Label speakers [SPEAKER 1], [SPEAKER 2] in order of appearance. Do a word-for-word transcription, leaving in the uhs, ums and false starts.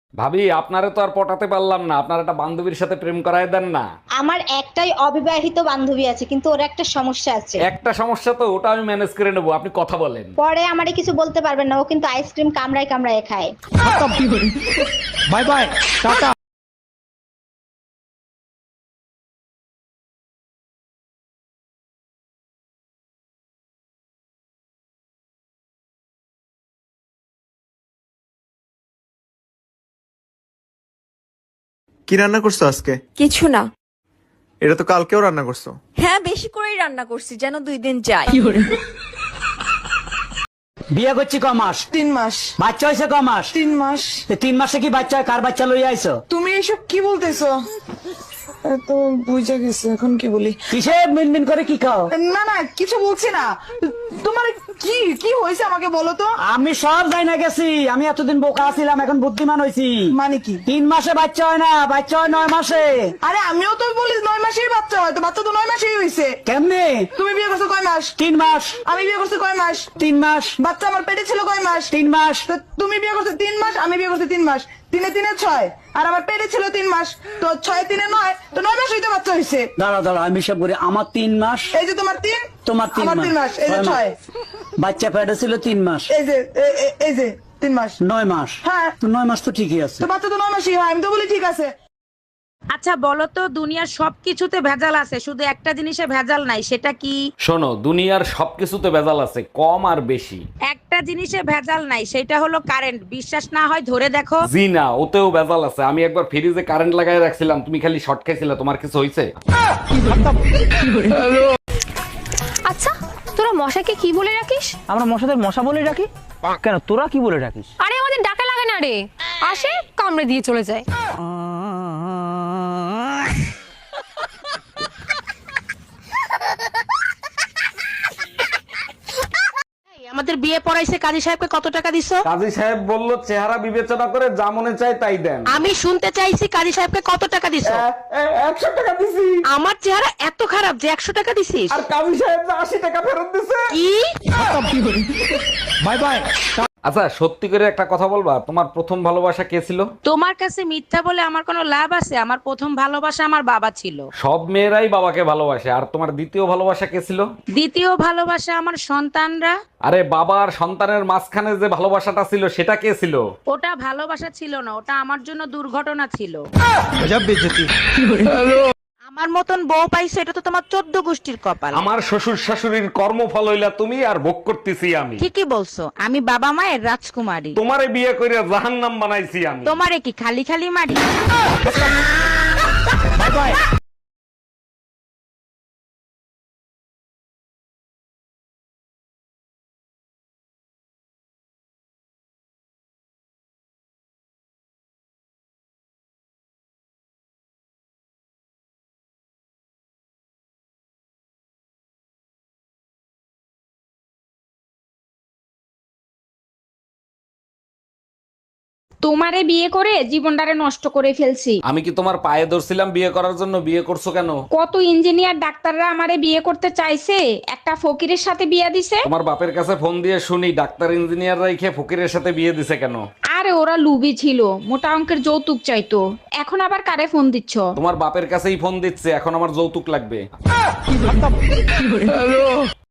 [SPEAKER 1] ভাবি, আপনারে তো আর পটাতে পারলাম না, আপনার একটা বান্ধবীর সাথে প্রেম করায় দেন না।
[SPEAKER 2] আমার একটাই অবিবাহিত বান্ধবী আছে, কিন্তু ওর একটা সমস্যা আছে।
[SPEAKER 1] একটা সমস্যা তো, ওটা আমি ম্যানেজ করে নেবো, আপনি কথা বলেন।
[SPEAKER 2] পরে আমারে কিছু বলতে পারবেন না, ও কিন্তু আইসক্রিম কামড়ায় কামড়ায় খায়।
[SPEAKER 3] বাই বাই, টাটা।
[SPEAKER 4] কি রান্না করছো আজকে?
[SPEAKER 5] কিছু না।
[SPEAKER 4] এটা তো কালকেও রান্না করছো।
[SPEAKER 5] হ্যাঁ, বেশি করেই রান্না করছি যেন দুই দিন যায়।
[SPEAKER 6] বিয়ে করছি ক মাস?
[SPEAKER 7] তিন মাস।
[SPEAKER 6] বাচ্চা হয়েছে ক মাস?
[SPEAKER 7] তিন মাস।
[SPEAKER 6] এ তিন মাসে কি বাচ্চা হয়? কার বাচ্চা লইয়া আইছো?
[SPEAKER 7] তুমি এসব কি বলতেছো? এ তো বুঝে গেছে, এখন কি বলি?
[SPEAKER 6] কিসে মিনমিন করে কি খাও?
[SPEAKER 7] না না, কিছু বলছি না। তোমার কি কি হয়েছে আমাকে বলো তো।
[SPEAKER 6] আমি সব যাই না গেছি, আমি এতদিন বোকা ছিলাম, এখন বুদ্ধিমান হয়েছি।
[SPEAKER 7] মানে কি?
[SPEAKER 6] তিন মাসে বাচ্চা হয় না, বাচ্চা হয় নয় মাসে।
[SPEAKER 7] আরে আমিও তো বলি নয় মাসেই বাচ্চা হয়, তো বাচ্চা তো নয় মাসেই হয়েছে।
[SPEAKER 6] কেমনে?
[SPEAKER 7] তুমি বিয়ে করছো কয় মাস?
[SPEAKER 6] তিন মাস।
[SPEAKER 7] আমি বিয়ে করছি কয় মাস?
[SPEAKER 6] তিন মাস।
[SPEAKER 7] বাচ্চা আমার পেটে ছিল কয় মাস?
[SPEAKER 6] তিন মাস।
[SPEAKER 7] তো তুমি বিয়ে করছো তিন মাস, আমি বিয়ে করছি তিন মাস। তিনে তিনে ছয়, আর আমার পেটে ছিল তিন মাস, তো ছয় তিনে নয়, তো নয় মাস হইতে বাচ্চা হয়েছে।
[SPEAKER 6] দাঁড়া দাঁড়া, আমি সব করি। আমার তিন মাস,
[SPEAKER 7] এই যে তোমার তিন,
[SPEAKER 6] তোমার তিন
[SPEAKER 7] আমার তিন মাস, এই যে
[SPEAKER 6] ছয়
[SPEAKER 7] ছয়।
[SPEAKER 6] বাচ্চা পেটে ছিল তিন মাস,
[SPEAKER 7] এই যে এ- এ- এই যে তিন মাস।
[SPEAKER 6] নয় মাস।
[SPEAKER 7] হ্যাঁ।
[SPEAKER 6] তো নয় মাস তো ঠিকই আছে।
[SPEAKER 7] তো বাচ্চা তো নয় মাসই হয়, আমি তো বলি ঠিক আছে।
[SPEAKER 8] আচ্ছা বলো তো, দুনিয়ার সবকিছুতে ভেজাল আছে, শুধু একটা জিনিসে ভেজাল নাই, সেটা কি?
[SPEAKER 1] শোনো, দুনিয়ার সবকিছুতে ভেজাল আছে, কম আর বেশি।
[SPEAKER 8] একটা জিনিসে ভেজাল নাই, সেটা হলো কারেন্ট। বিশ্বাস না হয় ধরে দেখো।
[SPEAKER 1] জি না, ওতেও ভেজাল আছে। আমি একবার ফ্রিজে কারেন্ট লাগাই রাখছিলাম, তুমি খালি শর্ট খাইছিলে, তোমার কিছু হয়েছে?
[SPEAKER 9] আচ্ছা, তোরা মশাকে কি বলে রাখিস?
[SPEAKER 3] আমরা মশাদের মশা বলে ডাকি। কেন, তোরা কি বলে ডাকিস?
[SPEAKER 9] আরে আমাদের ডাকা লাগে না রে, আসে কামড়ে দিয়ে চলে যায়।
[SPEAKER 8] আমাদের বিয়ে পড়াইছে, কাজী সাহেবকে কত টাকা দিছো?
[SPEAKER 1] কাজী সাহেব বলল চেহারা বিবেচনা করে যা মনে চায় তাই দেন।
[SPEAKER 8] আমি শুনতে চাইছি কাজী সাহেবকে কত টাকা দিছো?
[SPEAKER 1] একশো টাকা দিছি।
[SPEAKER 8] আমার চেহারা এত খারাপ যে একশো টাকা দিছিস?
[SPEAKER 1] আর কাজী সাহেব যে আশি টাকা ফেরত দিছে।
[SPEAKER 8] কি?
[SPEAKER 3] Bye bye.
[SPEAKER 1] আচ্ছা, সত্যি করে একটা কথা বলবা, তোমার প্রথম ভালোবাসা কে ছিল?
[SPEAKER 8] তোমার কাছে মিথ্যা বলে আমার কোনো লাভ আছে? আমার প্রথম ভালোবাসা আমার বাবা ছিল।
[SPEAKER 1] সব মেয়েরাই বাবাকে ভালোবাসে। আর তোমার দ্বিতীয় ভালোবাসা কে ছিল?
[SPEAKER 8] দ্বিতীয় ভালোবাসা আমার সন্তানরা।
[SPEAKER 1] আরে বাবা আর সন্তানের মাঝখানে যে ভালোবাসাটা ছিল সেটা কে ছিল?
[SPEAKER 8] ওটা ভালোবাসা ছিল না, ওটা আমার জন্য দুর্ঘটনা ছিল।
[SPEAKER 3] গজব বেইজ্জতি।
[SPEAKER 8] আমার মতন বউ পাইছো, এটা তো তোমার চোদ্দ গোষ্ঠীর কপাল।
[SPEAKER 1] আমার শ্বশুর শাশুড়ির কর্মফল হইলা তুমি, আর ভোগ করতেছি আমি।
[SPEAKER 8] ঠিকই বলছো, আমি বাবা মায়ের রাজকুমারী।
[SPEAKER 1] তোমারে বিয়ে করে জাহান্নাম বানাইছি আমি।
[SPEAKER 8] তোমারে কি খালি খালি মারি?
[SPEAKER 3] Bye bye.
[SPEAKER 9] তোমারে বিয়ে করে জীবনটারে নষ্ট করে ফেলছি।
[SPEAKER 1] আমি কি তোমার পায়ে ধরছিলাম বিয়ে করার জন্য? বিয়ে করছো কেন?
[SPEAKER 9] কত ইঞ্জিনিয়ার ডাক্তাররা আমারে বিয়ে করতে চাইছে, একটা ফকিরের সাথে বিয়ে দিছে।
[SPEAKER 1] তোমার বাপের কাছে ফোন দিয়ে শুনি ডাক্তার ইঞ্জিনিয়ার রাইখে ফকিরের সাথে বিয়ে দিছে কেন?
[SPEAKER 9] আরে ওরা লুবি ছিল, মোটা অঙ্কের যৌতুক চাইতো। এখন আবার কারে ফোন দিচ্ছ?
[SPEAKER 1] তোমার বাপের কাছেই ফোন দিচ্ছে, এখন আমার যৌতুক লাগবে।